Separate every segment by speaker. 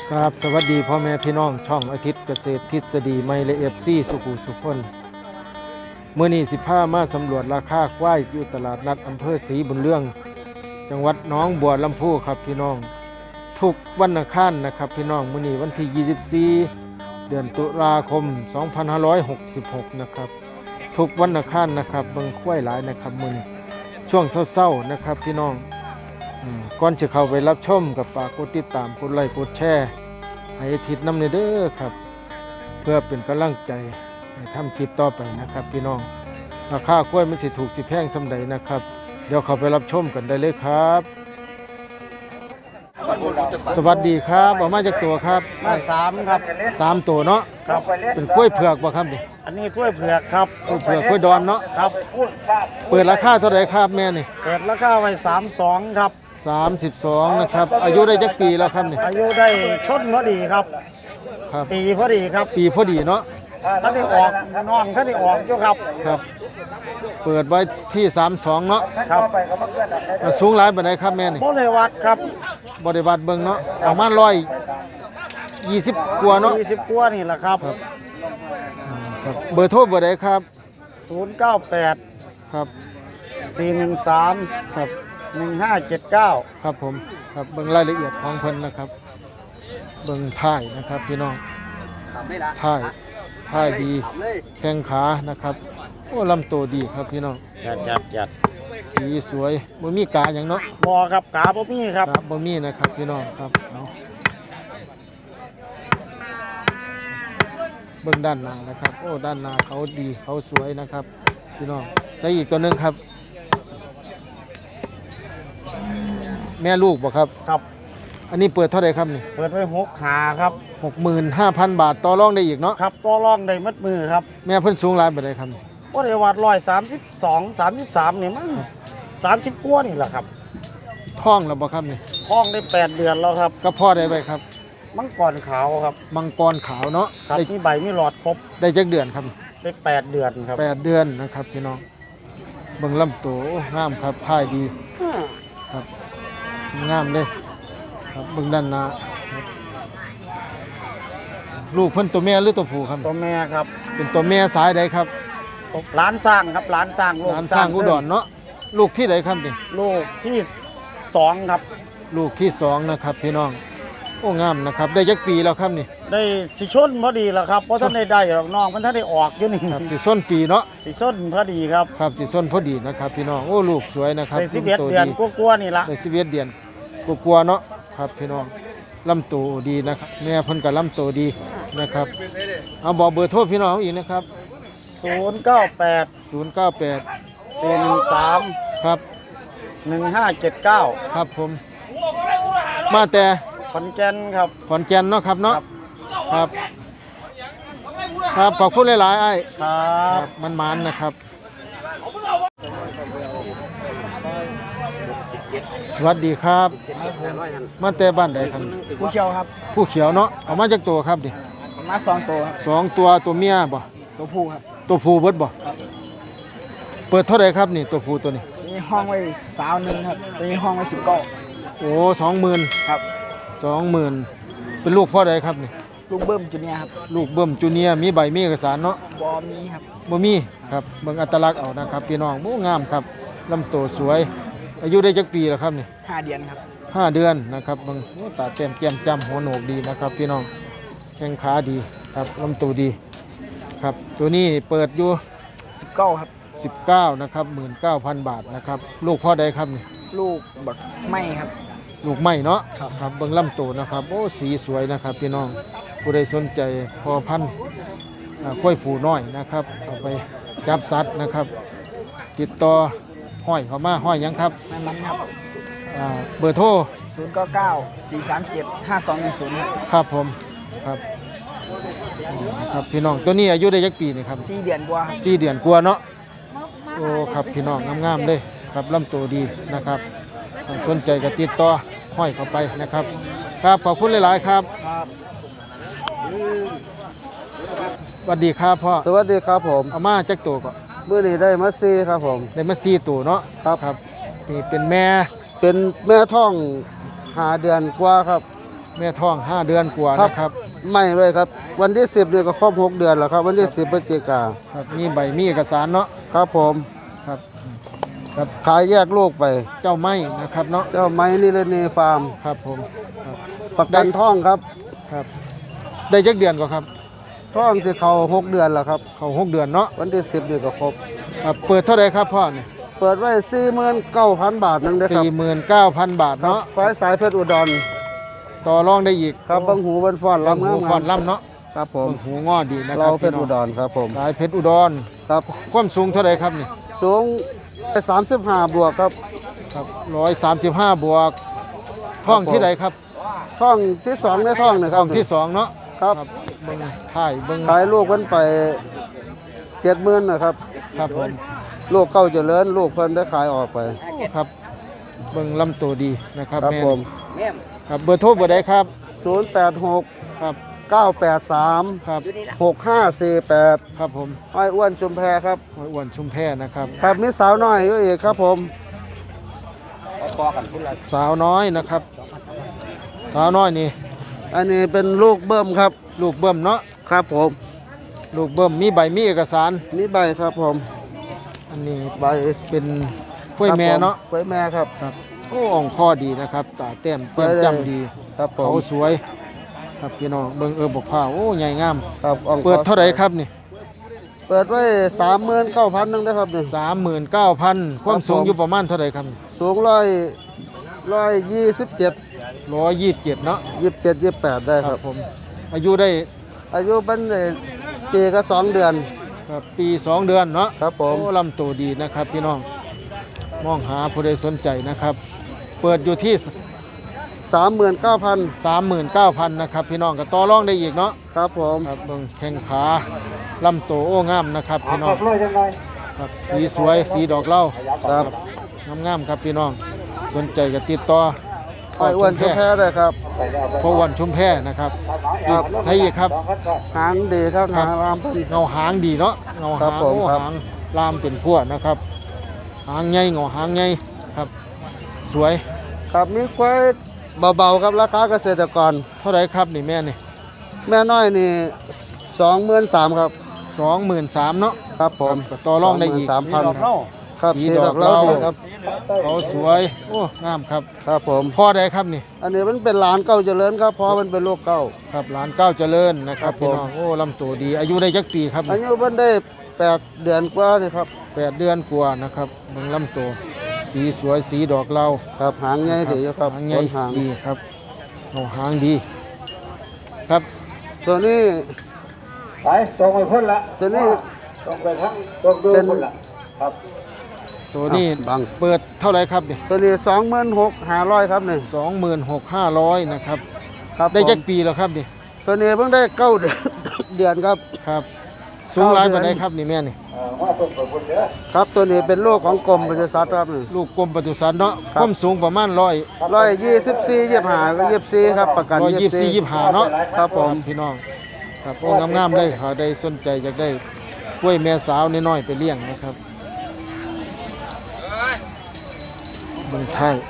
Speaker 1: ครับสวัสดีพ่อแม่พี่น้องช่องอาทิตย์เกษตรทฤษฎีไม่และเอฟซีสุขุสุขคนเมื่อนี้15มาสำรวจราคาควายอยู่ตลาดนัดอำเภอศรีบุญเรื่องจังหวัดหนองบัวลำพูครับพี่น้องทุกวันอังคารนะครับพี่น้องมื่อนี้วันที่24เดือนตุลาคม2566นะครับทุกวันอังคารนะครับเบิ่งควายหลายนะครับมื้อนี้ช่วงเช้าๆนะครับพี่น้องก่อนจะเข้าไปรับชมกับฝากกดติดตามกดไลค์กดแชร์ให้อาทิตย์นำเด้อครับเพื่อเป็นกำลังใจให้ทำคลิปต่อไปนะครับพี่น้องราคากล้วยมันสิถูกสิแพงสำใดนะครับเดี๋ยวเข้าไปรับชมกันได้เลยครับสวัสดีครับออกมาจากตัวครับ
Speaker 2: มาสามครับ
Speaker 1: 3ตัวเนาะ
Speaker 2: ครับ
Speaker 1: เป็นกล้วยเผือกบ่ครับนี่
Speaker 2: อันนี้กล้วยเผือกครับ
Speaker 1: กล้วยเผือกกล้วยดอนเนาะ
Speaker 2: ครับ
Speaker 1: เปิดราคาเท่าไหร่ครับแม่นี่
Speaker 2: เปิดราคาไว้32ครับ
Speaker 1: 32นะครับอายุได้จักปีแล้วครับนี่
Speaker 2: อายุได้ชนพอดีครับ
Speaker 1: ครับ
Speaker 2: ปีพอดีครับ
Speaker 1: ปีพอดีเนาะ
Speaker 2: ท่านได้ออกน้องท่านได้ออกอยู่ครับ
Speaker 1: ครับเปิดไว้ที่32เนาะ
Speaker 2: ครับ
Speaker 1: สูงหลายปานใดครับแม่นี่
Speaker 2: โมเลวัดครับ
Speaker 1: บริวัติเบิ่งเนาะประมาณ120กว่าเนาะ
Speaker 2: 20กว่านี่แหละครับ
Speaker 1: ครับเบอร์โทรเบอร์ใดครับ
Speaker 2: 098
Speaker 1: ครับ
Speaker 2: 413
Speaker 1: ครับ
Speaker 2: 1579
Speaker 1: ครับผมครับเบิ่งรายละเอียดของเพิ่นนะครับเบิ่งท่ายนะครับพี่น้องท่ายดีแข้งขานะครับโอ้ลำตัวดีครับพี่น้อง
Speaker 2: จัด
Speaker 1: สีสวยบ่มีกาหยังเนาะ
Speaker 2: บอครับกาบ่มีครับ
Speaker 1: ครับบ่มีนะครับพี่น้องครับเอาเบิ่งด้านหน้านะครับโอ้ด้านหน้าเขาดีเขาสวยนะครับพี่น้องใส่อีกตัวหนึงครับ แม่ลูกบ่ครับ
Speaker 2: ครับ
Speaker 1: อันนี้เปิดเท่าไหร่ครับนี่
Speaker 2: เปิดไว้6ขาครับ
Speaker 1: 65,000 บาทต่อรองได้อีกเนาะ
Speaker 2: ครับตัวรองได้มัดมือครับ
Speaker 1: แม่เพิ่นสูงหลายปานใดครับ
Speaker 2: โมเลวัด132 33นี่มั้ง30กว่านี่แหละครับ
Speaker 1: ท้องแล้วบ่ครับนี่
Speaker 2: ท้องได้8 เดือนแล้วครับ
Speaker 1: ก็พ่อได้ไว้ครับ
Speaker 2: มังกรขาวครับ
Speaker 1: มังกรขาวเนาะ
Speaker 2: ครับ
Speaker 1: ได้
Speaker 2: มีใบมีหลอดครบ
Speaker 1: ได้จักเดือนครับ
Speaker 2: ได้8 เดือนครับ
Speaker 1: 8 เดือนนะครับพี่น้องเบิ่งลำตัวโอ้งามครับท่ายดีครับงามเลยครับเบิ่งด้านหน้าครับลูกเพิ่นตัวแม่หรือตัวผู้ครับ
Speaker 2: ตัวแม่ครับ
Speaker 1: เป็นตัวแม่สายใดครับ
Speaker 2: ร้านสร้างครับร้านสร้างลูก
Speaker 1: ร้านสร้างอุดรเนาะลูกที่ใดครับนี่
Speaker 2: ลูกที่2ครับ
Speaker 1: ลูกที่2นะครับพี่น้องโอ้งามนะครับได้จักปีแล้วครับนี่
Speaker 2: ได้สิชนพอดีแล้วครับเพราะท่านได้หรอกน้องมันท่านได้ออกอยู่นี่
Speaker 1: ครับสิส้นปีเนาะ
Speaker 2: สิชนพอดีครับ
Speaker 1: ครับสิส้นพอดีนะครับพี่น้องโอ้ลูกสวยนะครับ
Speaker 2: ได้11
Speaker 1: ตัว
Speaker 2: เดือนกว่าๆนี่ละ
Speaker 1: ได้11เดือนกลัวๆเนาะครับพี่น้องลำตัวดีนะครับแม่เพิ่นก็ลำตัวดีนะครับเอาบอกเบอร์โทรพี่น้องอีกนะครับ
Speaker 2: 098
Speaker 1: 098
Speaker 2: 413
Speaker 1: ครับ
Speaker 2: 1579
Speaker 1: ครับผมมาแต่
Speaker 2: ขอนแก่นครับ
Speaker 1: ขอนแก่นเนาะครับเนาะ
Speaker 2: ครับ
Speaker 1: ครับขอบคุณหลายๆไอ้
Speaker 2: ครั
Speaker 1: ครับ บมันๆนะครับสวัสดีครับมาแต่บ้านใดครับ
Speaker 2: ผู้เชี่ยวครับ
Speaker 1: ผู้เขียวเนาะเอามาจากตัวครับดิ
Speaker 2: มา2ตัวครับ
Speaker 1: 2ตัวเมียบ่
Speaker 2: ตัวผู้ครับ
Speaker 1: ตัวผู้เบิดบ่เปิดเท่าไหร่ครับนี่ตัวผู้ตัวนี้
Speaker 2: นี่ห้องไว้21ครับตัวนี้ห้องไว้19
Speaker 1: โอ้20,000
Speaker 2: ครับ
Speaker 1: 20,000เป็นลูกพ่อใดครับนี่
Speaker 2: ลูกเบิ้มจูเนียร์ครับ
Speaker 1: ลูกเบิ่มจูเนียร์มีใบมีเอกสารเนาะ
Speaker 2: บอมีครับ
Speaker 1: บ่มีครับเบิ่งอัตลักษณ์เอานะครับพี่น้องโอ้งามครับลำตัวสวย อายุได้จักปีแล้วครับนี่
Speaker 2: 5 เดือนครับ
Speaker 1: 5 เดือนนะครับเบิ่งโอ้ตาแต้มแก้มจ้ำหัวโหนกดีนะครับพี่น้องแข้งขาดีครับลำตัวดีครับตัวนี้เปิดอยู่
Speaker 2: 19ครับ
Speaker 1: 19นะครับ19,000 บาทนะครับลูกพ่อใดครับนี่
Speaker 2: ลูกบักไม่ครับ
Speaker 1: ลูกไม้เนาะ
Speaker 2: ครับ
Speaker 1: ครับเบิ่งลำตัวนะครับโอ้สีสวยนะครับพี่น้องผู้ใดสนใจพอพันธุ์กล้วยผูน้อยนะครับเอาไปจับสัตว์นะครับ ติดต่อห้อยเขามาห้อยหยังครับ
Speaker 2: มันครับ
Speaker 1: เบอร์โทร
Speaker 2: 099 437 5210ครับ
Speaker 1: ครับผมครับครับพี่น้องตัวนี้อายุได้ยักปีนี่ครับ
Speaker 2: 4 เดือนกว่าครับ
Speaker 1: 4 เดือนกว่าเนาะโอ้ครับพี่น้องงามๆเลยครับลำตัวดีนะครับสนใจก็ติดต่อห้อยเข้าไปนะครับครับขอบคุณหลายๆครับ
Speaker 2: ครับ
Speaker 1: สวัสดีครับพ่อ
Speaker 3: สวัสดีครับผม
Speaker 1: เอามาจักตัวก็
Speaker 3: เมื่อนี้ได้มาซีครับผม
Speaker 1: ได้มา4ตัวเนาะ
Speaker 3: ครับ
Speaker 1: ครับนี่เป็นแม่
Speaker 3: เป็นแม่ท้อง5 เดือนกว่าครับ
Speaker 1: แม่ท้อง5 เดือนกว่า
Speaker 3: ครับ
Speaker 1: นะครับ
Speaker 3: ไม่ไว้ครับ วันที่ 10เนี่ยก็ครบ6 เดือนแล้วครับ วันที่10พฤศจิกา
Speaker 1: ครับมีใบมีเอกสารเนาะ
Speaker 3: ครับผม
Speaker 1: ครับครับ
Speaker 3: ขายแยกลูกไป
Speaker 1: เจ้าไม้นะครับเนาะ
Speaker 3: เจ้าไม้นิรณีฟาร์ม
Speaker 1: ครับผมครับ
Speaker 3: ประกันท่องครับ
Speaker 1: ครับได้จักเดือนก็ครับ
Speaker 3: ท่องที่เขา6 เดือนแล้วครับ
Speaker 1: เขา6 เดือนเนาะ
Speaker 3: วันที่ 10เนี่ยก็ครบ
Speaker 1: ครับเปิดเท่าไหร่ครับพ่อเนี่ย
Speaker 3: เปิดไว้ 49,000 บาทนึงนะครับ
Speaker 1: 49,000 บาท
Speaker 3: ครับ
Speaker 1: เนาะ
Speaker 3: ไฟสายเพชรอุดร
Speaker 1: ต่อรองได้อีก
Speaker 3: ครับบังหูบันฟ้อน
Speaker 1: ลำ
Speaker 3: ลำ
Speaker 1: หู
Speaker 3: งาม
Speaker 1: ฟอนลำเนาะ
Speaker 3: ครับผม
Speaker 1: เบิ่งหูงอดีนะค
Speaker 3: เรา
Speaker 1: รับ
Speaker 3: เพชรอุดรครับผม
Speaker 1: สายเพชรอุดร
Speaker 3: ครับ
Speaker 1: ความสูงเท่าไหร่ครับนี่
Speaker 3: สูง35 บวกครับ
Speaker 1: ครับ135 บวกท้องที่ไหนครับ
Speaker 3: ท่องที่2ในท่องนะค
Speaker 1: ท้
Speaker 3: รั
Speaker 1: อบ งที่สองเนาะ
Speaker 3: ครับ
Speaker 1: เบิ่งถ่ายเบิ่ง
Speaker 3: ขายลูกมันไป70,000นะครับ
Speaker 1: ครับผม
Speaker 3: ลูกเก้าเจริญลูกเพิ่นได้ขายออกไป
Speaker 1: ครับเบิ่งลำตัวดีนะครับ
Speaker 3: ครับ
Speaker 1: แม่
Speaker 3: ผม
Speaker 1: ครับเบอร์โทรเบอร์ใดครับ
Speaker 3: 086
Speaker 1: ครับ
Speaker 3: 983
Speaker 1: ครับ
Speaker 3: 6548
Speaker 1: ครับผม
Speaker 3: อ้อยอ้วนชุมแพครับ
Speaker 1: ห้อยอ้วนชุมแพนะครับ
Speaker 3: ครับมีสาวน้อยอยู่อีกครับผม
Speaker 1: สาวน้อยนะครับ สาวน้อยนี่
Speaker 3: อันนี้เป็นลูกเบิ้มครับ
Speaker 1: ลูกเบิ่มเนาะ
Speaker 3: ครับผม
Speaker 1: ลูกเบิ่มมีใบมีเอกสาร
Speaker 3: นี่ใบครับผม
Speaker 1: อันนี้
Speaker 3: ใบ
Speaker 1: เป็นกล้วยแม่เนาะ
Speaker 3: กล้วยแม่ครับ
Speaker 1: ครับโอ้อ่องคอดีนะครับตาแต้มเต้ม
Speaker 3: ไปเลย
Speaker 1: จำดี
Speaker 3: ครับผ
Speaker 1: เขา
Speaker 3: ม
Speaker 1: สวย ครับพี่น้องเบิ่งบกผ้าโอ้ใหญ่งาม
Speaker 3: ครับอ่อง
Speaker 1: เปิดเท่าไหร่ครับนี่
Speaker 3: เปิดไว้39,000นึงนะครับนี่
Speaker 1: 39,000ความสูง
Speaker 3: ผม
Speaker 1: อยู่ประมาณเท่าไหร่ครับ
Speaker 3: สูง127
Speaker 1: 127เนาะ
Speaker 3: 27 28ได้ครับ
Speaker 1: ผมอายุได้
Speaker 3: อายุเป็นปีก็2 เดือน
Speaker 1: ครับปี2 เดือนเนาะ
Speaker 3: ครับผม
Speaker 1: โอ้ลำตัวดีนะครับพี่น้องมองหาผู้ใดสนใจนะครับ เปิดอยู่ที่
Speaker 3: 39,000
Speaker 1: 39,000นะครับพี่น้องก็ต่อรองได้อีกเนาะ
Speaker 3: ครับผม
Speaker 1: ครับเบิ่งแข้งขาลำตัวโอ้งามนะครับพี่น้องครับสีสวยสีดอกเหล้า
Speaker 3: ครับ
Speaker 1: งามๆครับพี่น้องสนใจก็ติดต่อ
Speaker 3: อ้อยอ้วนชุมแพได้ครับ
Speaker 1: พอวันชุมแพนะครับ
Speaker 3: ครับ
Speaker 1: ใช่อีกครับ
Speaker 3: หางดีครับหางรามเพิ่น
Speaker 1: เงาหางดีเนาะเงา
Speaker 3: ครั
Speaker 1: หา
Speaker 3: บ
Speaker 1: ง
Speaker 3: ผม
Speaker 1: โอ้
Speaker 3: ครับ
Speaker 1: หางลามเป็นพวกนะครับหางใหญ่เงาหางใหญ่ครับสวย
Speaker 3: ครับมีควายเบาๆครับราคาเกษตรกร
Speaker 1: เท่าไหรครับนี่แม่นี่
Speaker 3: แม่น้อยนี่23,000ครับ
Speaker 1: 23,000เนาะ
Speaker 3: ครับผม
Speaker 1: ก็ต่อรองได้อีก
Speaker 3: 23,000ครับ
Speaker 1: สี
Speaker 3: สี
Speaker 1: ด
Speaker 3: ด
Speaker 1: อ
Speaker 3: อก ก
Speaker 1: เหล้า
Speaker 3: เหล้าดีครับ
Speaker 1: เขาสวยโอ้งามครับ
Speaker 3: ครับผม
Speaker 1: พ่อใดครับนี่
Speaker 3: อันนี้มันเป็นหลานเก่าเจริญครับเพราะมันเป็นลูกเก่า
Speaker 1: ครับหลานเก้าเจริญนะครับ
Speaker 3: ครับ
Speaker 1: พี่
Speaker 3: ผม
Speaker 1: น้องโอ้ลำตัวดี อายุได้จักปีครับ
Speaker 3: อายุเพิ่นได้8 เดือนกว่านี่ครับ
Speaker 1: 8 เดือนกว่านะครับเบิ่งลำตัวสีสวยสีดอกเหล้า
Speaker 3: ครับหางใหญ่ดีอยู่ครับ
Speaker 1: หางให
Speaker 3: ต้
Speaker 1: ญ่
Speaker 3: นหาง
Speaker 1: ดีครับโอ้หางดีครับ
Speaker 3: ตัวนี้
Speaker 2: ไปตรงไปพ้นละ
Speaker 3: ตัวนี้
Speaker 2: ตรงไปทั้งตรงดู
Speaker 3: เป็น
Speaker 2: พ้นละครับ
Speaker 1: ตัวนี้
Speaker 3: บัง
Speaker 1: เปิดเท่าไหรครับเนี่ย
Speaker 3: ตัวนี้26,500ครับนี่
Speaker 1: 26,500นะครับ
Speaker 3: ครับ
Speaker 1: ได้
Speaker 3: ผม
Speaker 1: จักปีแล้วครับนี่
Speaker 3: ตัวนี้เพิ่งได้9 เดือน เดือนครับ
Speaker 1: ครับสูงหลาย
Speaker 3: เก้า
Speaker 1: ปาน
Speaker 3: เดื
Speaker 1: ใด
Speaker 3: อน
Speaker 1: ครับนี่แม่นี่
Speaker 2: ว่าตรงไปพ้นเด้อ
Speaker 3: ครับตัวนี้เป็นลูกของกรมปศุสัตว์ครับนี่
Speaker 1: ลูกกรมปศุสัตว์เนาะ
Speaker 3: ค
Speaker 1: ครับ วามสูงประมาณ100
Speaker 3: 124 25ก็24ครับประกัน
Speaker 1: 124 25เนาะ
Speaker 3: ครับผม
Speaker 1: พี่น้องครับโอ้งามๆเลยเขาได้สนใจอยากได้กล้วยแม่สาวน้อยๆไปเลี้ยงนะครับเบิ่ง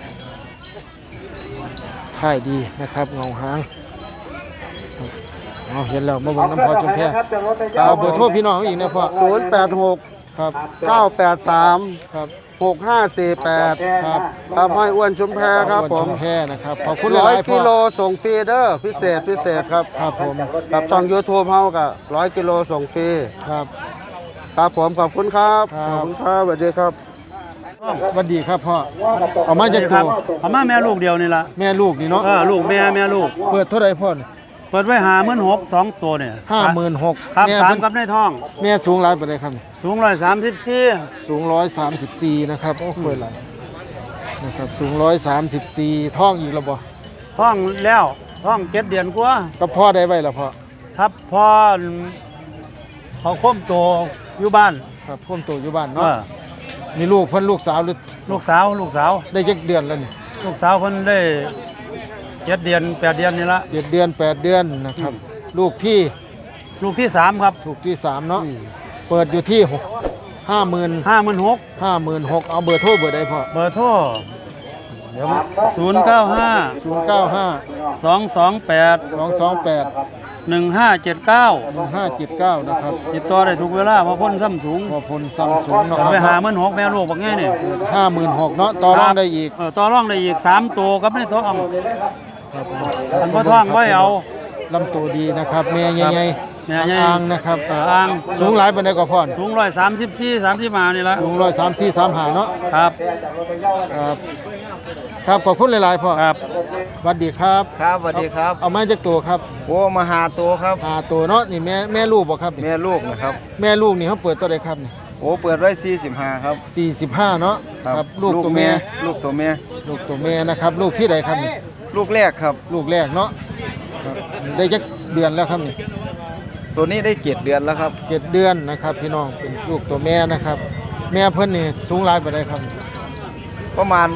Speaker 1: ท้ายดีนะครับเงาหางครับเอาเห็นแล้วมาเบิ่งน้ำพอจุมแพ เอาเบอร์โทรพี่น้องอีกนะพ่อ
Speaker 3: 086
Speaker 1: ครับ
Speaker 3: 983
Speaker 1: ครับ
Speaker 3: 6548
Speaker 1: ครับ
Speaker 3: ครับห้อยอ้วนชุมแพครับผ
Speaker 1: จุ
Speaker 3: ม
Speaker 1: มแพนะครับขอบคุณหลายๆพ่
Speaker 3: 100 กิโล
Speaker 1: อ
Speaker 3: ส่งฟรีเด้อพิเศษครับ
Speaker 1: ครับผม
Speaker 3: กับช่อง YouTube เฮาก็100 กิโลส่งฟรี
Speaker 1: ครับ
Speaker 3: ครับผมขอบคุณครับ
Speaker 1: ครับ
Speaker 3: ขอบคุณครับสวัสดีครับ
Speaker 1: สวัสดีครับพ่อเอามาจากตัว
Speaker 4: เอามาแม่ลูกเดียวนี่ละ
Speaker 1: แม่ลูกนี่เนาะ
Speaker 4: ลูกแม่ลูก
Speaker 1: เปิดเท่าไหร่พ่อ
Speaker 4: เปิดไว้56,000 2ตัวเนี่ย
Speaker 1: 56,000
Speaker 4: ครับ
Speaker 1: แม่
Speaker 4: สาม
Speaker 1: เพิ่น
Speaker 4: กับในท้อง
Speaker 1: แม่สูงหลายปานใดครับ
Speaker 4: สูง134
Speaker 1: สูง134นะครับโอ้เปิดหลายนะครับสูง134ท้องอีกแล้วบ่
Speaker 4: ท้องแล้วท้อง7 เดือนกว่า
Speaker 1: ก็พ่อได้ไว้แล้วพ่อ
Speaker 4: ครับพอเขาค้มโตอยู่บ้าน
Speaker 1: ครับพ่วมโตอยู่บ้าน
Speaker 4: เอ
Speaker 1: เนาะ
Speaker 4: อ
Speaker 1: นี่ลูกเพิ่นลูกสาวหรือ
Speaker 4: ลูกสาว
Speaker 1: ได้จักเดือนแล้วนี่
Speaker 4: ลูกสาวเพิ่นได้7 เดือน 8 เดือนนี่ละ
Speaker 1: 7 เดือน 8 เดือนนะครับลูกที่
Speaker 4: ลูกที่ 3 ครับ
Speaker 1: ถูกที่3เนาะเปิดอยู่ที่ 50,000
Speaker 4: 56,000
Speaker 1: 56,000เอาเบอร์โทรเบอร์ใดพ่อ
Speaker 4: เบอร์โทร
Speaker 2: เดี๋ยว
Speaker 4: 095
Speaker 1: 095
Speaker 4: 228
Speaker 1: 228
Speaker 4: 1579
Speaker 1: 1579นะครับ
Speaker 4: ติดต่อได้ทุกเวลาเพราะพ้นซ้ำสูง
Speaker 1: พอพลซัมซุงนะค
Speaker 4: ไป
Speaker 1: รับ
Speaker 4: หา16,000แม่ลูกบักง่ายนี่
Speaker 1: 56,000เนาะต่อรองได้อีก
Speaker 4: ต่อรองได้อีก3ตัวกับในท้อง
Speaker 1: ครับ
Speaker 4: อันบ่ท้องไว้เอา
Speaker 1: ลำตัวดีนะครับแม่ใหญ่
Speaker 4: แม่ใหญ่
Speaker 1: อ่างนะครับ
Speaker 4: อ่าง
Speaker 1: สูงหลายปานใดก็พร
Speaker 4: สูง134 35นี่ละ
Speaker 1: สูง134 35เนาะ
Speaker 4: ครับ
Speaker 1: ครับครับขอบคุณหลายๆพ่อ
Speaker 4: ครับ
Speaker 1: สวัสดีครับ
Speaker 2: ครับสวัสดีครับ
Speaker 1: เอามาจากตัวครับ
Speaker 2: โอ้มาหาตัวครับ
Speaker 1: ตัวเนาะนี่แม่ลูกบ่ครับนี่
Speaker 2: แม่ลูกนะครับ
Speaker 1: แม่ลูกนี่เขาเปิดตัวใดครับนี่
Speaker 2: โอ้เปิดไว้45ครับ
Speaker 1: 45เนาะลูกตัวแม่
Speaker 2: ลูกตัวแม่
Speaker 1: ลูกตัวแม่นะครับ ลูกที่ใดครับนี่
Speaker 2: ลูกแรกครับ
Speaker 1: ลูกแรกเนาะครับได้จักเดือนแล้วครับนี่
Speaker 2: ตัวนี้ได้7เดือนแล้วครับ
Speaker 1: 7เดือนนะครับพี่น้องเป็นลูกตัวแม่นะครับ แม่เพิ่นนี่สูงหลายปานใดครับ
Speaker 2: ประมาณ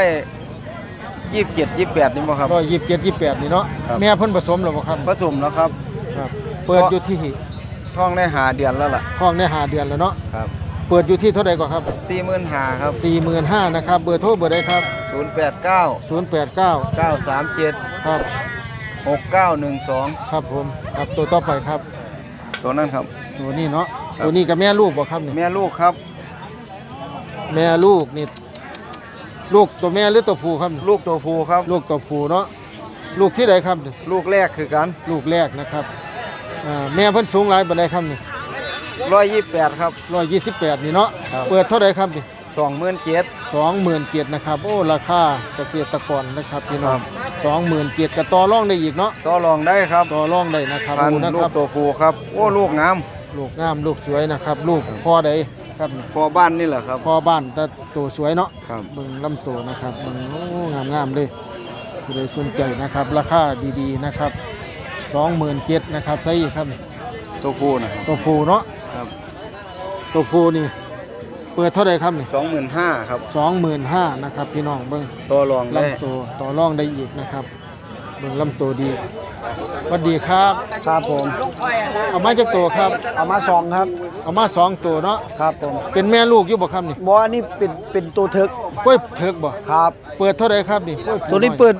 Speaker 2: 127 28นี่บ่ครับ
Speaker 1: 127 28นี่เนาะ
Speaker 2: ครับ
Speaker 1: แม่เพิ่นผสมแล้วบ่ครับ
Speaker 2: ผสมแล้วครับ
Speaker 1: ครับ เปิดอยู่ที่
Speaker 2: ท้องได้หาเดือนแล้วล่ะ
Speaker 1: ห้องได้5เดือนแล้วเนาะ
Speaker 2: ครับ
Speaker 1: เปิดอยู่ที่เท่าใดก่อนครับ
Speaker 2: 45,000ครับ
Speaker 1: 45,000นะครับเบอร์โทรเบอร์ใดครับ
Speaker 2: 089
Speaker 1: 089
Speaker 2: 937
Speaker 1: ครับ
Speaker 2: 6912
Speaker 1: ครับผมครับตัวต่อไปครับ
Speaker 2: ตัวนั้นครับ
Speaker 1: ตัวนี้เนาะ
Speaker 2: ครับ
Speaker 1: ตัวนี้กับแม่ลูกบ่ครับนี่
Speaker 2: แม่ลูกครับ
Speaker 1: แม่ลูกนี่ลูกตัวแม่หรือตัวผู้ครับนี่
Speaker 2: ลูกตัวผู้ครับ
Speaker 1: ลูกตัวผู้เนาะลูกที่ใดครับนี่
Speaker 2: ลูกแรกคือกัน
Speaker 1: ลูกแรกนะครับแม่เพิ่นสูงหลายปานใดครับนี่
Speaker 2: 128ครับ
Speaker 1: 128นี่เนาะ
Speaker 2: ครับ
Speaker 1: เปิดเท่าใดครับนี่
Speaker 2: 27,000
Speaker 1: 27,000นะครับโอ้ราคาเกษตรกรนะครับพี่น้อง
Speaker 2: ครับ
Speaker 1: 27,000ก็ต่อรองได้อีกเนาะ
Speaker 2: ต่อรองได้ครับ
Speaker 1: ต่อรองได้นะครับ
Speaker 2: พัน
Speaker 1: ดูนะ
Speaker 2: ลู
Speaker 1: ค
Speaker 2: ก
Speaker 1: รับ
Speaker 2: ตัวผู้ครับ โอ้ลูกงาม
Speaker 1: ลูกงามลูกสวยนะครับ ลูกพ่อใดครับนี่
Speaker 2: พอบ้านนี่แหละครับ
Speaker 1: พ่อบ้านแต่ตัวสวยเนาะ
Speaker 2: ครับ
Speaker 1: เบิ่งลำตัวนะครับเบิ่งโอ้งามๆเลยผู้ใดสนใจนะครับ ราคาดีๆนะครับ27,000นะครับใช่อีกครับ
Speaker 2: ตัวผู้นะครับ
Speaker 1: ตัวผู้เนาะ
Speaker 2: ครับ
Speaker 1: ตัวผู้นี่เปิดเท่าไหร่ครับนี่
Speaker 2: 25,000ครับ
Speaker 1: 25,000นะครับพี่น้องเบิ่ง
Speaker 2: ต่อรองได้
Speaker 1: ลำตัวต่อรองได้อีกนะครับเบิ่งลำตัวดีสวัสดีครับ
Speaker 2: ครับผม
Speaker 1: เอามาจากตัวครับ
Speaker 2: เอามา2ครับ
Speaker 1: เอามา2ตัวเนาะ
Speaker 2: ครับผม
Speaker 1: เป็นแม่ลูกอยู่บ่ครับนี่
Speaker 2: บ่อันนี้เป็นตัวถึก
Speaker 1: กล้วยเถิกบ่
Speaker 2: ครับ
Speaker 1: เปิดเท่าไหร่ครับนี่
Speaker 2: ตัวนี้เปิด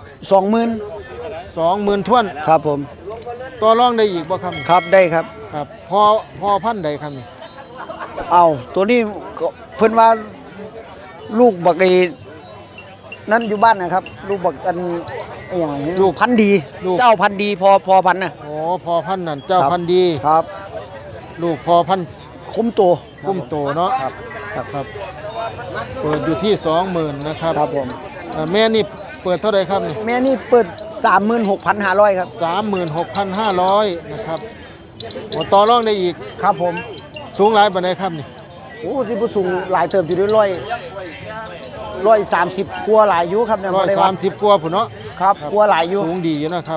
Speaker 1: 20,000ท้วน
Speaker 2: 20,000ครับผม
Speaker 1: ต่อรองได้อีกบ่ครับนี่
Speaker 2: ครับได้ครับ
Speaker 1: ครับพอพันธุ์ใดครับนี่
Speaker 2: เอาตัวนี้ก็เพิ่นว่าลูกบักไอ้นั่นอยู่บ้านนะครับ ลูกบักอันไอ้หยังนี้ลูกพันธุ์ดี เจ้าพันธุ์ดีพอพันธุ์น่ะ
Speaker 1: โอ้พอพันธุ์นั่นเจ้าพันธุ์ดี
Speaker 2: ครับ
Speaker 1: ลูกพอพันธุ์
Speaker 2: คุ้มโต
Speaker 1: กุ้มโตเนาะ
Speaker 2: ครับครับ
Speaker 1: ครับเปิดอยู่ที่ 20,000นะครับ
Speaker 2: ครับผม
Speaker 1: แม่นี่เปิดเท่าไหร่ครับนี่
Speaker 2: แม่นี่เปิด 36,500ครับ
Speaker 1: 36,500นะครับโอ้ต่อรองได้อีก
Speaker 2: ครับผม
Speaker 1: สูงหลายปานใดครับนี่
Speaker 2: โอ้ที่ผู้สูงหลายเติบอยู่ด้วย130กว่าหลายอยู่ครับเนี่ยบ่ได้ว่า
Speaker 1: 130กว่าพุ่นเนาะ
Speaker 2: ครับกว่าหลายอยู่
Speaker 1: สูงดีอยู่นะครับ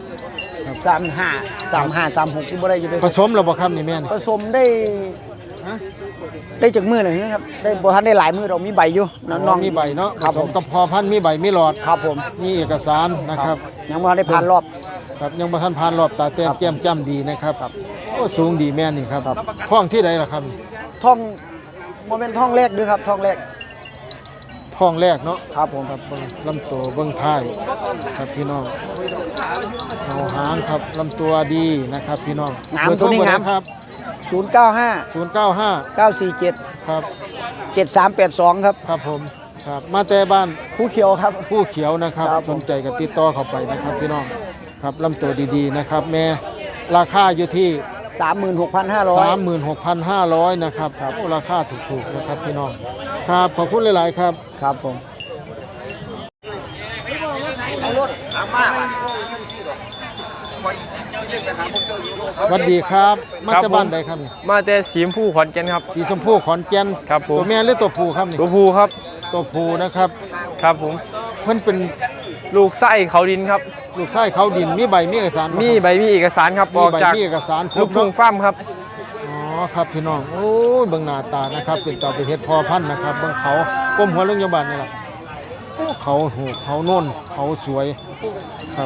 Speaker 2: 35 36ที่บ่ได้อยู่ด้วย
Speaker 1: ผสมแล้วบ่ครับนี่แม่นี่
Speaker 2: ผสมได้
Speaker 1: ฮะ
Speaker 2: ได้จากมือหน่อยนะครับได้บ่ทันได้หลายมือเรามีใบอยู่น้อง
Speaker 1: มีใบเนาะ
Speaker 2: ครับ
Speaker 1: ผ
Speaker 2: ผ
Speaker 1: ส
Speaker 2: ม
Speaker 1: มกับพอพันธุ์มีใบมีหลอด
Speaker 2: ครับผม
Speaker 1: มีเอกสารนะครับ
Speaker 2: ยังบ่ทันได้ผ่านรอบ
Speaker 1: ครับยังบ่ทันผ่านรอบตาแต้ม
Speaker 2: ครับ
Speaker 1: แก้มจ้ำดีนะครับโอ้สูงดีแม่นี่ครับท้องที่ใดล่ะครับ
Speaker 2: ท่องบ่เป็นท่องแรกด้วยครับท่องแรก
Speaker 1: ท้องแรกเนาะ
Speaker 2: ครับผม
Speaker 1: ครับเบิ่งลำตัวเบิ่งท้ายครับพี่น้องเอาหางครับลำตัวดีนะครับพี่น้อง
Speaker 2: งาม
Speaker 1: เบอร์โทร
Speaker 2: ตัวนี้งาม
Speaker 1: ครับ
Speaker 2: 095
Speaker 1: 095
Speaker 2: 947
Speaker 1: ครับ
Speaker 2: 7382ครับ
Speaker 1: ครับผมครับมาแต่บ้าน
Speaker 2: ผู้เขียวครับ
Speaker 1: ผู้เขียวนะครับ
Speaker 2: ครับ
Speaker 1: ส
Speaker 2: ผม
Speaker 1: นใจก็ติดต่อเข้าไปนะครับพี่น้องครับลำตัวดีๆนะครับ แม่ราคาอยู่ที่
Speaker 2: 36,500
Speaker 1: 36,500นะครับโอ้ราคาถูกๆนะครับพี่น้องครับขอบคุณหลายๆครับ
Speaker 2: ครับผม
Speaker 1: สวัสดีครับมา
Speaker 5: ครับ
Speaker 1: แต่
Speaker 5: ผม
Speaker 1: บ้านใดครับนี่
Speaker 5: มาแต่สีชมพูขอนแก่นครับ
Speaker 1: สีชมพูขอนแก่น
Speaker 5: ครับผม
Speaker 1: ตัวแม่หรือตัวผู้ครับนี่
Speaker 5: ตัวผู้ครับ
Speaker 1: ตัวผู้นะครับ
Speaker 5: ครับผม
Speaker 1: เพิ่นเป็น
Speaker 5: ลูกไส้เขาดินครับ
Speaker 1: ลูกชายเขาดินมีใบมีเอกสารบ่
Speaker 5: มี
Speaker 1: ครับ
Speaker 5: ใบมีเอกสารครับ
Speaker 1: มี
Speaker 5: ออก
Speaker 1: ใบ
Speaker 5: จาก
Speaker 1: มีเอกสารคร
Speaker 5: ลู
Speaker 1: บ
Speaker 5: กทุ่ง
Speaker 1: เนาะ
Speaker 5: ฟ้าร์มครับ
Speaker 1: อ๋อครับพี่น้องโอ้ยเบิ่งหน้าตานะครับ เป็นต่อไปเฮ็ดพอพันธุ์นะครับเบิ่งเขาก้มหัวเรื่องยาบานนี่ล่ะโอ้เขาหูเขาโน่นเขาสวยครับ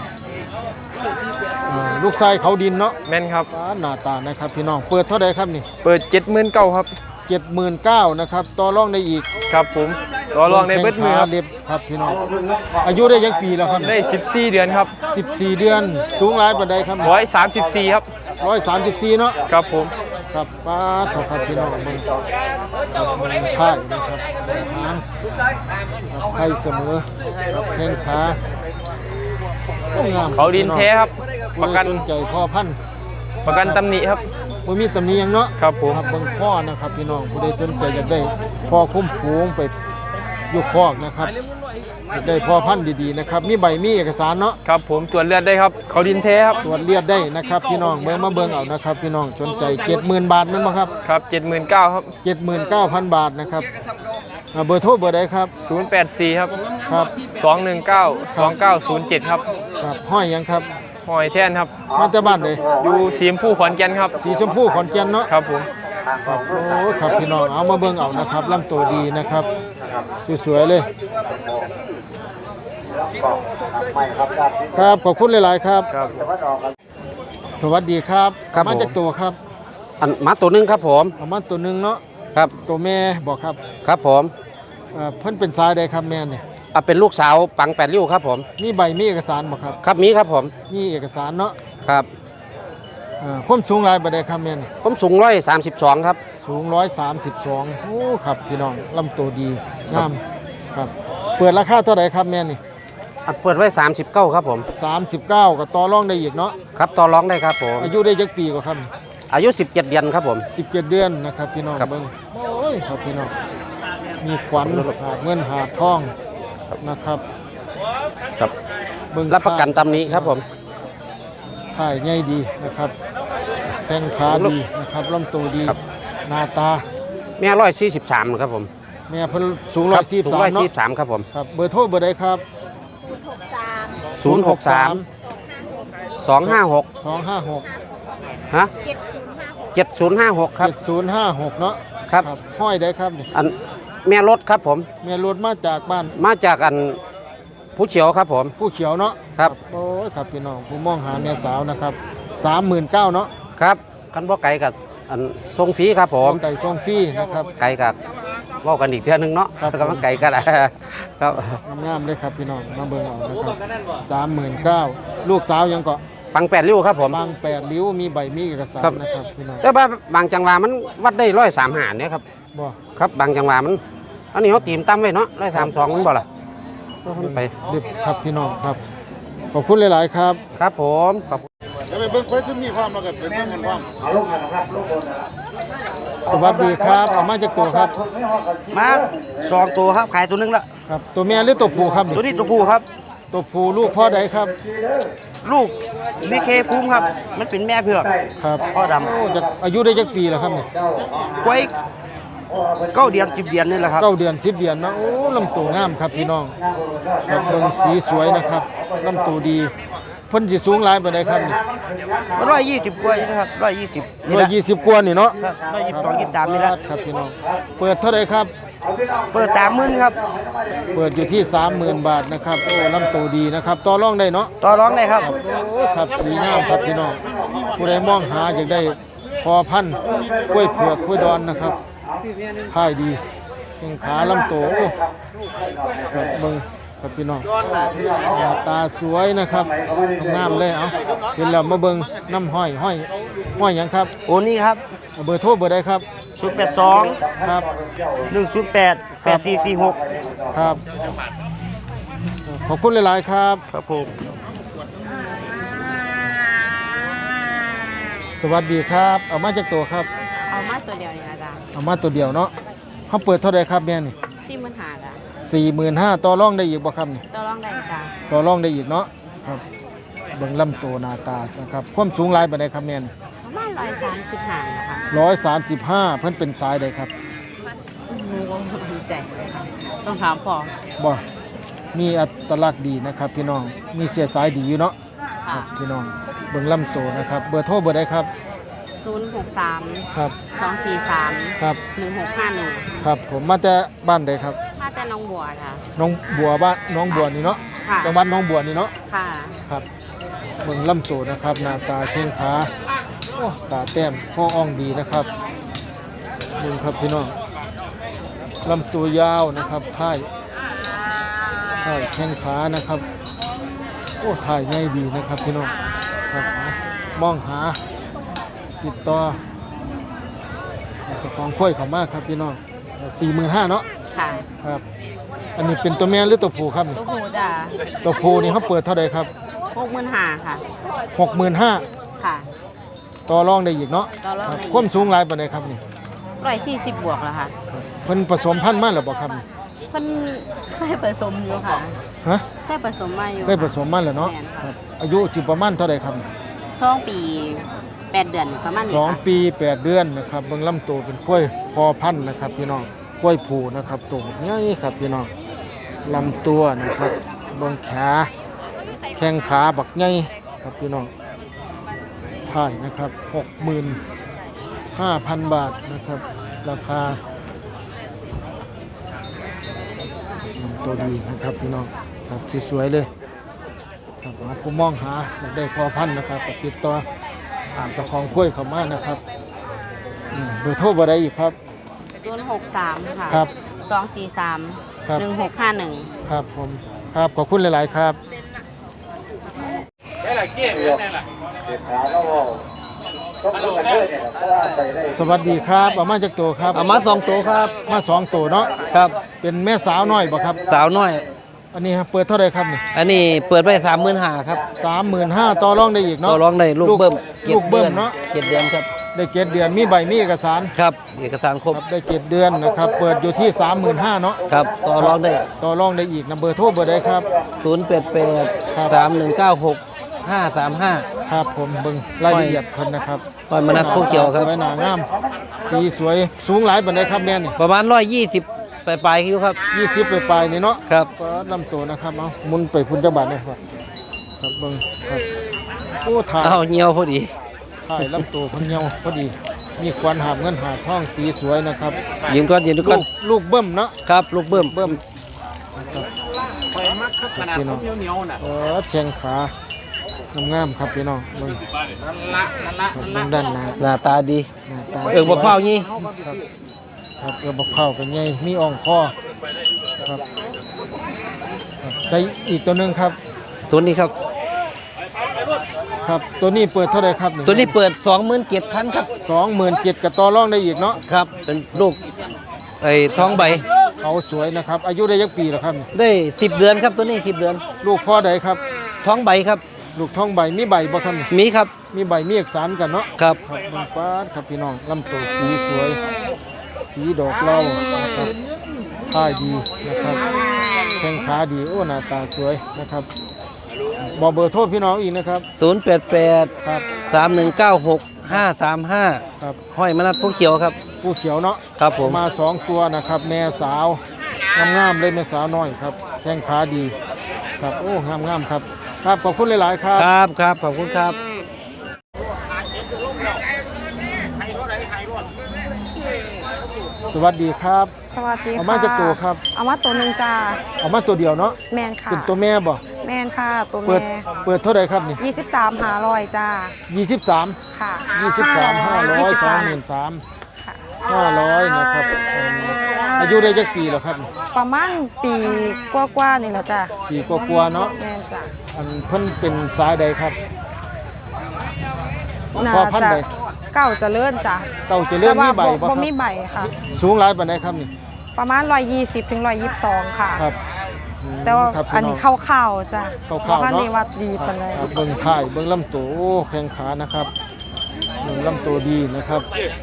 Speaker 1: ลูกชายเขาดินเนาะ
Speaker 5: แม่นครับ
Speaker 1: ฟ้าหน้าตานะครับพี่น้องเปิดเท่าใดครับนี่
Speaker 5: เปิด79,000ครับ
Speaker 1: 79,000นะครับต่อรองได้อีก
Speaker 5: ครับผมตัวรองในเบิดมือครับ
Speaker 1: เล็บครับพี่น้องอายุได้ยังปีแล้วครับ
Speaker 5: ได้14 เดือนครับ
Speaker 1: 14 เดือนสูงหลายปานใดครับ
Speaker 5: 134ครับ
Speaker 1: 134เนาะ
Speaker 5: ครับผม
Speaker 1: ครับป้าดครับพี่น้องมึงครับมึงท่ายนะครับหางครับไทยเสมอครับแข้งขาโอ้งาม
Speaker 5: เขาดินแท้ครับ ประกัน
Speaker 1: สนใจพ่อพันธุ์
Speaker 5: ประกันตำหนิครับ
Speaker 1: บ่มีตำหนิหยังเนาะ
Speaker 5: ครับผม
Speaker 1: ครับเบิ่งพ่อนะครับพี่น้องผู้ใดสนใจอยากได้พ่อคุ้มฝูงไปอยู่คอกนะครับอยากได้พ่อพันธุ์ดีๆนะครับมีใบมีเอกสารเนาะ
Speaker 5: ครับผมตรวจเลือดได้ครับ เขาดินแท้ครับ
Speaker 1: ตรวจเลือดได้นะครับพี่น้องเบิ่งมาเบิ่งเอานะครับพี่น้องสนใจ 70,000 บาทแม่นบ่ครับ
Speaker 5: ครับ79,000ครับ
Speaker 1: 79,000 บาทนะครับเบอร์โทรเบอร์ใดครับ
Speaker 5: 084ครับ
Speaker 1: ครับ
Speaker 5: 219 2907ครับ
Speaker 1: ครับห้อยหยังครับ
Speaker 5: หอยแท่นครับ
Speaker 1: มาจากบ้านใด
Speaker 5: อยู่สีชมพูขอนแก่นครับ
Speaker 1: สีชมพูขอนแก่นเนาะ
Speaker 5: ครับผม
Speaker 1: ครับโอ้ครับพี่น้องเอามาเบิ่งเอานะครับลำตัวดีนะครับสวยๆเลยครับขอบคุณหลายๆครับ
Speaker 5: ครับ
Speaker 1: สวัสดีครับ
Speaker 3: ครับ
Speaker 1: มาจากตัวครับ
Speaker 3: อันหมาตัวหนึงครับผม
Speaker 1: เอามาตัวหนึงเนาะ
Speaker 3: ครับ
Speaker 1: ตัวแม่บอกครับ
Speaker 3: ครับผม
Speaker 1: เพิ่นเป็นสายใดครับแม่เนี่ย
Speaker 3: เป็นลูกสาวปัง8ริ้วครับผม
Speaker 1: มีใบมีเอกสารบ่ครับ
Speaker 3: ครับมีครับผม
Speaker 1: มีเอกสารเนาะ
Speaker 3: ครับ
Speaker 1: ความสูงหลายบ่ได้ครับแม่นี่
Speaker 3: ผมสูง132ครับ
Speaker 1: สูง132โอ้ครับพี่น้องลำตัวดีงามครับเปิดราคาเท่าไหร่ครับแม่นี่
Speaker 3: อันเปิดไว้39ครับผม
Speaker 1: 39ก็ต่อรองได้อีกเนาะ
Speaker 3: ครับต่อรองได้ครับผม
Speaker 1: อายุได้จักปีกว่าครับ
Speaker 3: อายุ17เดือนครับผม
Speaker 1: 17 เดือนนะครับพี่น้อง
Speaker 3: ครับ
Speaker 1: เบิ่งโอ้ยครับพี่น้องมีขวัญหาเงินหาทองนะครับ
Speaker 3: ครับ
Speaker 1: เบิ่ง
Speaker 3: รับประกันตำนี้ครับผม
Speaker 1: ถ่ายใหญ่ดีนะครับแข้งขาดีนะครับลำตัวดี
Speaker 3: ครับ
Speaker 1: หน้าตา
Speaker 3: แม่143ครับผม
Speaker 1: แม่เพิ่นสูง
Speaker 3: ครับสูง
Speaker 1: 143เนาะ
Speaker 3: 143ครับผม
Speaker 1: ครับเบอร์โทรเบอร์ใดครับ
Speaker 3: 063 256
Speaker 1: 256
Speaker 3: ฮะ7056ครับ
Speaker 1: 7056เนาะ
Speaker 3: ครับ
Speaker 1: ห้อยได้ครับนี่
Speaker 3: อันแม่รถครับผม
Speaker 1: แม่รถมาจากบ้าน
Speaker 3: มาจากอันผู้เฉียวครับผม
Speaker 1: ผู้เขียวเนาะ
Speaker 3: ครับ
Speaker 1: โอ้ยครับพี่น้องผู้มองหาแม่สาวนะครับ39,000เนาะ
Speaker 3: ครับกันบ่ไก่กับอันทรงฟรีครับผม
Speaker 1: ไก่ส่งฟรีนะครับ
Speaker 3: ไก่กับเว่ากันอีกเทื่อนึงเนาะ
Speaker 1: ครับ
Speaker 3: แล้วก็มันไก่กัน ครับ
Speaker 1: งามๆเลยครับพี่น้องมาเบิ่งเอานะครับ39,000ลูกสาวยังเกาะ
Speaker 3: ปัง8ริ้วครับผม
Speaker 1: บาง8ริ้วมีใบมีเอกสาร
Speaker 3: ครับ
Speaker 1: นะครับพี่น้อง
Speaker 3: แต่ว่าบางจังหวะมันวัดได้135เนี่ยครับ
Speaker 1: บ่
Speaker 3: ครับบางจังหวะมันอันนี้เขาตีมตั้มไว้เนาะ132มันบ่ล่ะก็มันไป
Speaker 1: ดิบครับพี่น้องครับขอบคุณหลาย ๆ ครับ
Speaker 3: ครับผมขอบ
Speaker 1: จะไปเบิ่งไฟที่มีความแล้วก็เป็นเรื่องความสวัสดีครับเอามาจากตัวครับ
Speaker 2: มา2ตัวครับขายตัวหนึงละ
Speaker 1: ครับ ตัวแม่หรือตัวผู้ครับ
Speaker 2: ตัวนี้ตัวผู้ครับ
Speaker 1: ตัวผู้ลูกพ่อใดครับ
Speaker 2: ลูกบีเคภูมิครับ มันเป็นแม่เผือก
Speaker 1: ครับ
Speaker 2: พ่อดำ
Speaker 1: โอ้จะอายุได้จักปีแล้วครับเนี่ย
Speaker 2: ไว้9 เดือน10 เดือนนี่แหละครับ
Speaker 1: 9 เดือน10 เดือนเนาะโอ้ลำตัวงามครับพี่น้องครับเบิ่งสีสวยนะครับลำตัวดีเพิ่นสิสูงหลายปานใดครับนี่
Speaker 2: 120 กว่านี่นะครับ120นี่ละ
Speaker 1: 120กว่านี่เนาะ
Speaker 2: ครับ122 23นี่ละ
Speaker 1: ครับพี่น้องเปิดเท่าไหร่ครับ
Speaker 2: เปิด30,000ครับ
Speaker 1: เปิดอยู่ที่ 30,000 บาทนะครับโอ้ลำตัวดีนะครับต่อรองได้เนาะ
Speaker 2: ต่อรองได้ครับ
Speaker 1: โอ้ครับสีงามครับพี่น้องผู้ใดมองหาอยากได้พอพันธุ์กล้วยเผือกกล้วยดอนนะครับท่ายดีแข้งขาลำตัวโอ้ครับเบิ่งครับพี่น้องหน้าตาสวยนะครับงามเลยเอาเห็นแล้วมาเบิ่งน้ำห้อยห้อยหยังครับ
Speaker 2: โอ้นี่ครับ
Speaker 1: เอาเบอร์โทรเบอร์ใดครับ
Speaker 2: 082
Speaker 1: ครับ
Speaker 2: 108 8446
Speaker 1: ครับขอบคุณหลายๆครับ
Speaker 2: ครับผม
Speaker 1: สวัสดีครับเอามาจากตัวครับ
Speaker 6: เอามาตัวเดียวนี่นะจ๊ะ
Speaker 1: เอามาตัวเดียวเนาะเขาเปิดเท่าไหร่ครับแม่นี่
Speaker 6: 45,000จ้ะ
Speaker 1: 45,000ต่อรองได้อีกบ่ครับนี่
Speaker 6: ตัวรองได้จ้ะ
Speaker 1: ต่อรองได้อีกเนาะครับเบิ่งลำตัวหน้าตานะครับความสูงหลายปานใดครับแม่น
Speaker 6: ประมาณ135นะคะ
Speaker 1: 135เพิ่นเป็นสายใดครับ
Speaker 6: หนูก็ไม่ดีใจเลยค่ะต้องถามพ่อ
Speaker 1: บ่มีอัตลักษณ์ดีนะครับ พี่น้องมีเสียสายดีอยู่เนาะค
Speaker 6: ค่ะ
Speaker 1: รับพี่น้องเบิ่งลำตัวนะครับเบอร์โทรเบอร์ใดครับ
Speaker 6: 063
Speaker 1: ครับ
Speaker 6: 243
Speaker 1: ครับ
Speaker 6: 1651
Speaker 1: ครับผมมาแต่บ้านใดครับ
Speaker 6: มาแต่น้องบัวค่ะ
Speaker 1: น้องบัวบ้านน้องบัวนี่เนาะ
Speaker 6: ค่ะ
Speaker 1: จังหวัดน้องบัวนี่เนาะ
Speaker 6: ค่ะ
Speaker 1: ครับเบิ่งลำตัวนะครับหน้าตาเชิงขาโอ้ตาแต้มข้ออ่องดีนะครับดูครับพี่น้องลำตัวยาวนะครับท้ายแข้งขานะครับโอ้ถ่ายง่ายดีนะครับพี่น้องครับมองหาติดต่อเจ้าของกล้วยเขามากครับพี่น้อง 45,000เนาะ
Speaker 6: ค่ะ
Speaker 1: ครับอันนี้เป็นตัวแม่หรือตัวผู้ครับ
Speaker 6: ตัวผู้จ้ะ
Speaker 1: ตัวผู้นี่เขาเปิดเท่าไหร่ครับ
Speaker 6: 65,000ค่ะ
Speaker 1: 65,000
Speaker 6: ค่ะ
Speaker 1: ต่อรองได้อีกเนาะ
Speaker 6: ต่อรองได้อีก
Speaker 1: ความสูงหลายปานใดครับนี่
Speaker 6: 140บวกแล้วค่ะ
Speaker 1: เพิ่นผสมพันธุ์มาแล้วบ่ครับนี่
Speaker 6: เพิ่นเคยผสมอยู่ค่ะ
Speaker 1: ฮะ
Speaker 6: เคยผสมมาอยู่
Speaker 1: ได้ผสมมาแล้วเนาะ
Speaker 6: แม่น
Speaker 1: ครับอายุสิประมาณเท่าใดครับ
Speaker 6: 2 ปี 8 เดือนประมาณนี้
Speaker 1: สอง
Speaker 6: ค่ะ
Speaker 1: ปี 8 เดือนนะครับเบิ่งลำตัวเป็นกล้วยพอพันธุ์นะครับพี่น้องกล้วยผูนะครับตัวใหญ่ครับพี่น้องลำตัวนะครับเบิ่งขาแข้งขาบักใหญ่ครับพี่น้องถ่ายนะครับ 65,000 บาทนะครับราคาตัวดีนะครับพี่น้องครับสวยๆเลยครับผมมองหาอยากได้พอพันธุ์นะครับก็ติดต่อตามเจ้าของกล้วยเขามานะครับเบอร์โทรบ่ได้อีกครับ
Speaker 6: 063 ค่ะ
Speaker 1: ครับ
Speaker 6: 243
Speaker 1: ครับ
Speaker 6: 1651
Speaker 1: ครับผมครับขอบคุณหลาย ๆ ครับ สวัสดีครับเอามาจากตัวครับ
Speaker 7: เอามา2ตัวครับ
Speaker 1: มา2ตัวเนาะ
Speaker 7: ครับ
Speaker 1: เป็นแม่สาวน้อยบ่ครับ
Speaker 7: สาวน้อย
Speaker 1: อันนี้ครับเปิดเท่าไหร่ครับนี่
Speaker 7: อันนี้เปิดไว้35,000ครับ
Speaker 1: 35,000ต่อรองได้อีก
Speaker 7: ต่
Speaker 1: เนาะ
Speaker 7: อรองได้ลูกเบิ่ม
Speaker 1: ลูกเบิ่มเนาะ
Speaker 7: 7 เดือนครับ
Speaker 1: ได้7 เดือนมีใบมีเอกสาร
Speaker 7: ครับ เอกสารครบ
Speaker 1: ครับได้7 เดือนนะครับเปิดอยู่ที่ 35,000เนาะ
Speaker 7: ครับ ต่อรองได้
Speaker 1: ต่อรองได้อีกนะเบอร์โทรเบอร์ใดครับ
Speaker 7: 088 3196 535
Speaker 1: ครับผมเบิ่งรายละเอียดเพิ่นนะครับ
Speaker 7: หอยมนัดผู้เขียวครับ
Speaker 1: สวยหนางามสีสวยสูงหลายปานใดครับแม่นี่
Speaker 7: ประมาณ120ปลายๆอยู่ครับ
Speaker 1: 20ปลายๆนี่เนาะ
Speaker 7: ครับ
Speaker 1: ก็ลำตัวนะครับเอาหมุนไปพุ่นจังบาทเลยครับครับเบิ่งครับโอ้ถ่าย
Speaker 7: เอาเหี่ยวพอดี
Speaker 1: ถ่ายลำตัวเพิ่นเหี่ยวพอดีมีควันหาบเงินหาบทองสีสวยนะครับ
Speaker 7: ยืนก่อนยืนดูก่อน
Speaker 1: ลูกเบิ่มเนาะ
Speaker 7: ครับ ลูกเบิ่ม
Speaker 1: เบิ่มนะครับพี่น้องแข้งขางามๆครับพี่น้องเบิ่งครับเบิ่งด้านหน้า
Speaker 7: หน้าตาดี
Speaker 1: หน้าตา
Speaker 7: บักเผานี่
Speaker 1: ครับครับบักเผาเป็นไงมีอ่องคอครับครับใจอีกตัวหนึงครับ
Speaker 7: ตัวนี้ครับ
Speaker 1: ครับตัวนี้เปิดเท่าไหร่ครับ
Speaker 7: ตัวนี้เปิด 27,000ครับ
Speaker 1: 27,000กับต่อรองได้อีกเนาะ
Speaker 7: ครับ เป็นลูกไอ้ท้องใบ
Speaker 1: เขาสวยนะครับอายุได้ยักปีแล้วครับ
Speaker 7: ได้10 เดือนครับตัวนี้10 เดือน
Speaker 1: ลูกพ่อใดครับ
Speaker 7: ท้องใบครับ
Speaker 1: ลูกท้องใบมีใบบ่ครับ
Speaker 7: มีครับ
Speaker 1: มีใบมีเอกสารกันเนาะ
Speaker 7: ครับ
Speaker 1: ครับเบิ่งปาดครับพี่น้องลำตัวสีสวย สีดอกเหล่านะครับท่ายดีนะครับแข้งขาดีโอ้หน้าตาสวยนะครับบอกเบอร์โทรพี่น้องอีกนะครับ
Speaker 7: 088
Speaker 1: ครับ
Speaker 7: 3196 535
Speaker 1: ครับ
Speaker 7: ห้อยมนัดผู้เขียวครับ
Speaker 1: ผู้เขียวเนาะ
Speaker 7: ครับผม
Speaker 1: มา2ตัวนะครับ แม่สาวงามๆเลยแม่สาวน้อยครับแข้งขาดีครับโอ้งามๆครับครับขอบคุณหลายๆครับ
Speaker 7: ครับครับขอบคุณครับ
Speaker 1: สวัสดีครับ
Speaker 8: สวัสดีค่ะ
Speaker 1: เอามาจากตัวครับ
Speaker 8: เอามาตัวหนึ่งจ้า
Speaker 1: เอามาตัวเดียวเนาะ
Speaker 8: แมนค่ะ
Speaker 1: เป็นตัวแม่บ่
Speaker 8: แมนค่ะ ตัว
Speaker 1: เปิด
Speaker 8: แม่
Speaker 1: เปิดเท่าไหร่ครับนี่
Speaker 8: 23หาลอยจ้า
Speaker 1: 23
Speaker 8: ค่ะ
Speaker 1: 23 500 23 500นะครับอายุได้จักปีแล้วครับ
Speaker 8: ประมาณปีกว่าๆนี่แหละจ้า
Speaker 1: ปีกว่าๆเนาะ
Speaker 8: แมนจ้า
Speaker 1: อันเพิ่นเป็นสายใดครับ
Speaker 8: น่า
Speaker 1: พ่อพันธุ์
Speaker 8: จะ
Speaker 1: ใด
Speaker 8: เก่าเจะเลื่อนจ้า
Speaker 1: เก่าจะเลื่อน
Speaker 8: แต่ว่า
Speaker 1: มีใบบ่ค
Speaker 8: บ่
Speaker 1: รับ
Speaker 8: มีใบค่ะ
Speaker 1: สูงหลายปานใดครับนี่
Speaker 8: ประมาณ120ถึง122ค่ะ
Speaker 1: ครับ
Speaker 8: แต่ว่า
Speaker 1: ครับ
Speaker 8: อันนี้
Speaker 1: พี่ง
Speaker 8: เข้าๆจ้า
Speaker 1: เข้าๆเนอะ
Speaker 8: บ่คันนี้วัดดีปานใด
Speaker 1: ครับเบิ่งท้ายเบิ่งลำตัวโอ้แข้งขานะครับเบิ่งลำตัวดีนะครับ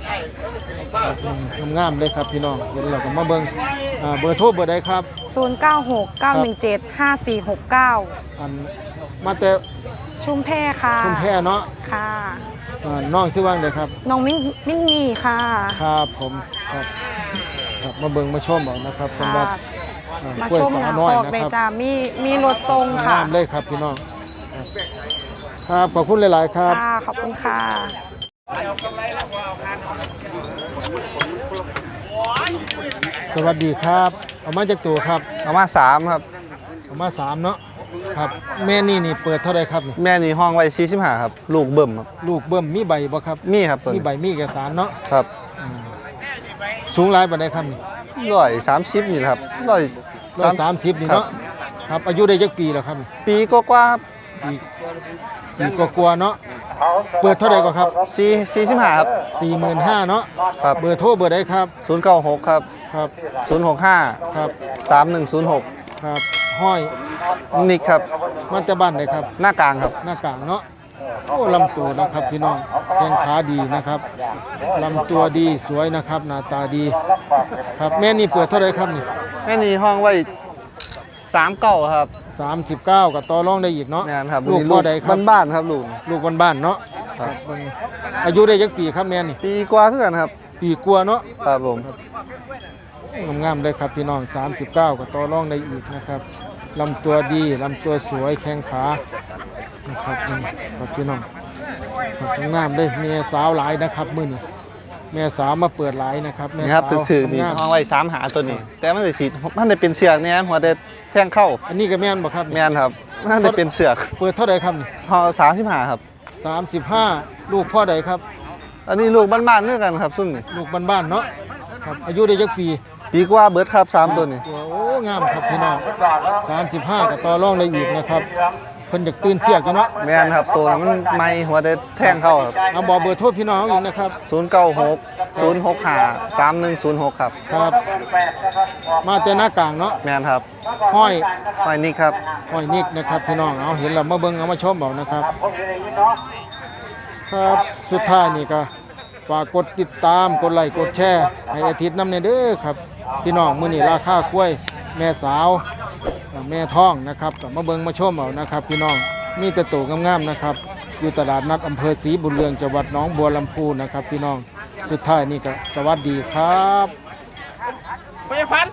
Speaker 1: งามๆเลยครับพี่น้องเดี๋ยวเราก็มาเบิ่งเบอร์โทรเบอร์ใดครับ
Speaker 8: 096 917 5469
Speaker 1: อันมาแต่
Speaker 8: ชุมแพค่ะ
Speaker 1: ชุมแพเนาะ
Speaker 8: ค่ะ
Speaker 1: น้องชื่อว่างใดครับ
Speaker 8: น้องมินนี่ค่ะ
Speaker 1: ครับผมครับครับมาเบิ่งมาชมเอานะครับสำหรับ
Speaker 8: มา
Speaker 1: ล้วย
Speaker 8: ชม
Speaker 1: สา
Speaker 8: นะ
Speaker 1: น้อย
Speaker 8: คอก
Speaker 1: นะ
Speaker 8: เลย
Speaker 1: ครับ
Speaker 8: จ้ามีรถทรงค่ะ
Speaker 1: งามเลยครับพี่น้องครับครับขอบคุณหลาย ๆ ครับ
Speaker 8: ค่ะ ขอบคุณค่ะ
Speaker 1: สวัสดีครับเอามาจากตัวครับ
Speaker 9: เอามา3ครับ
Speaker 1: เอามา3เนาะครับแม่นี่เปิดเท่าไหรครับนี่
Speaker 9: แม่นี่ห้องไว้45ครับ ลูกเบิ่มครับ
Speaker 1: ลูกเบิ่มมีใบบ่ครับ
Speaker 9: มีครับตัว
Speaker 1: มี
Speaker 9: นี้
Speaker 1: ใบมีเอกสารเนาะ
Speaker 9: ครับ
Speaker 1: อ่าสูงหลายปานใดครับนี่
Speaker 9: 130นี่แหละครับ
Speaker 1: 130นี่เนาะครับอายุได้จักปีแล้วครับ
Speaker 9: ปีกว่าๆครับ
Speaker 1: ปีกว่าๆเนาะเปิดเท่าใดก็ครับ
Speaker 9: 45ครับ
Speaker 1: 45,000เนาะ
Speaker 9: ครับ
Speaker 1: เบอร์โทรเบอร์ใดครับ
Speaker 9: 096ครับ
Speaker 1: ครับ
Speaker 9: 065
Speaker 1: ครับ
Speaker 9: 3106
Speaker 1: ครับห้อย
Speaker 9: นิกครับ
Speaker 1: มันจะบ้านใดครับ
Speaker 9: หน้ากลางครับ
Speaker 1: หน้ากลางเนาะโอ้ลำตัวนะครับพี่น้องแข้งขาดีนะครับลำตัวดีสวยนะครับหน้าตาดีครับแม่นี่เปิดเท่าไหรครับนี่
Speaker 9: แม่นี่ห้องไว้39ครับ
Speaker 1: 39กับต่อรองได้อีกเนาะ
Speaker 9: งานครับ
Speaker 1: ลูก
Speaker 9: นี่
Speaker 1: พ่อใดครับ
Speaker 9: บ้านๆครับลูก
Speaker 1: ลูกบ้านๆเนาะ
Speaker 9: ครับ
Speaker 1: เบิ่งอายุได้จักปีครับแม่นี่
Speaker 9: ปีกว่าคือกันครับ
Speaker 1: ปีกว่าเนาะ
Speaker 9: ครับผม
Speaker 1: งามๆเลยครับพี่น้อง39กับต่อรองได้อีกนะครับลำตัวดีลำตัวสวยแข้งขานะครับนี่ครับพี่น้องครับงามเลยแม่สาวหลายนะครับมื้อนี้แม่สาวมาเปิดหลายนะครับแม่
Speaker 9: นี่ครับ
Speaker 1: สาว
Speaker 9: ถือนี่
Speaker 1: งาม
Speaker 9: ห้องไว้3หาตัวนี้ แต่มันได้สิมันได้เป็นเสือกเนี่ยหัวได้แทงเข้า
Speaker 1: อันนี้ก็แม่นบ่ครับ
Speaker 9: แม่นครับมันได้เป็นเสือก
Speaker 1: เปิดเท่าไหร่ครับนี่
Speaker 9: ห้อง35ครับ
Speaker 1: 35ลูกพ่อใดครับ
Speaker 9: อันนี้ลูกบ้านๆเนื้อกันครับซุ่มนี่
Speaker 1: ลูกบ้านๆเนาะครับอายุได้จักปี
Speaker 9: ปีกว่าเบิดครับ3ตัวนี้
Speaker 1: โอ้งามครับพี่น้อง35กับต่อรองได้อีกนะครับเพิ่นอยากตื่นเสียกอยู่เนาะ
Speaker 9: แม่นครับตัวนั้นมันไม่หัวได้แทงเข้าครับ
Speaker 1: เอาบอกเบอร์โทรพี่น้องอีกนะครับ
Speaker 9: 096 065 3106ครับ
Speaker 1: ครับ มาแต่หน้ากลางเนาะ
Speaker 9: แม่นครับ
Speaker 1: ห้อย
Speaker 9: ห้อยนี่ครับ
Speaker 1: ห้อยนิกนะครับพี่น้องเอาเห็นแล้วมาเบิ่งเอามาชมเอานะครับครับสุดท้ายนี่ก็ฝากกดติดตามกดไลค์กดแชร์ให้อาทิตย์น้ำในเด้อครับพี่น้องมื้อนี้ราคากล้วยแม่สาวแม่ท้องนะครับก็มาเบิ่งมาชมเอานะครับพี่น้องมีแต่โตงามๆนะครับอยู่ตลาดนัดอำเภอศรีบุญเรืองจังหวัดหนองบัวลำพูนะครับพี่น้องสุดท้ายนี่ก็สวัสดีครับ